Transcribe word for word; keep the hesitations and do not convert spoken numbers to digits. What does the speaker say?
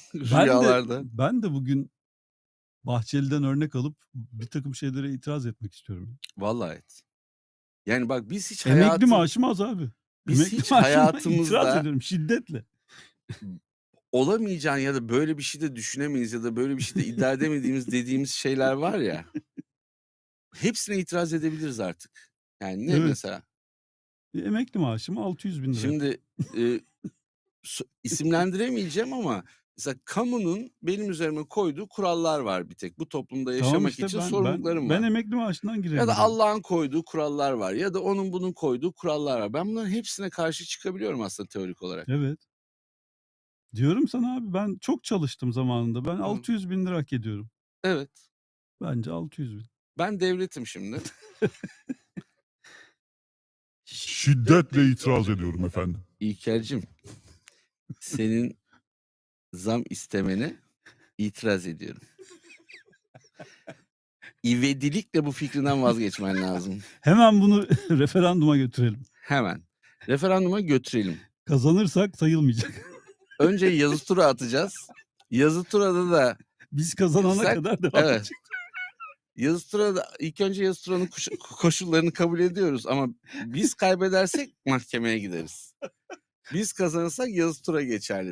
Ben de rüyalarda. ben de bugün Bahçeli'den örnek alıp birtakım şeylere itiraz etmek istiyorum. Vallahi et. Yani bak biz hiç Emekli hayatım maaşım az abi. biz Emekli hiç maaşıma itiraz hayatımızda ediyorum şiddetle. olamayacağını ya da böyle bir şey de düşünemeyiz ya da böyle bir şey de iddia edemediğimiz dediğimiz şeyler var ya hepsine itiraz edebiliriz artık. Yani ne Evet. mesela? Bir emekli maaşım altı yüz bin lira. Şimdi, eee, s isimlendiremeyeceğim ama mesela kamunun benim üzerime koyduğu kurallar var bir tek. Bu toplumda Tamam yaşamak işte için ben ben sorumluluklarım ben var. emekli maaşından Ya da girebiliyorum. Allah'ın koyduğu kurallar var ya da onun bunun koyduğu kurallar var. Ben bunların hepsine karşı çıkabiliyorum aslında teorik olarak. Evet. Diyorum sana abi ben çok çalıştım zamanında. Ben Hı. altı yüz bin lira hak ediyorum. Evet. Bence altı yüz bin. Ben devletim şimdi. Şiddetle itiraz ediyorum efendim. İlker'cim, senin zam istemene itiraz ediyorum. İvedilikle bu fikrinden vazgeçmen lazım. Hemen bunu referanduma götürelim. Hemen. Referanduma götürelim. Kazanırsak sayılmayacak. Önce yazı tura atacağız. Yazı turada da Biz kazanana sen kadar devam evet. edecek. Yazı turada ilk önce yazı turanın koş koşullarını kabul ediyoruz ama biz kaybedersek mahkemeye gideriz. Biz kazanırsak yazı tura geçerli.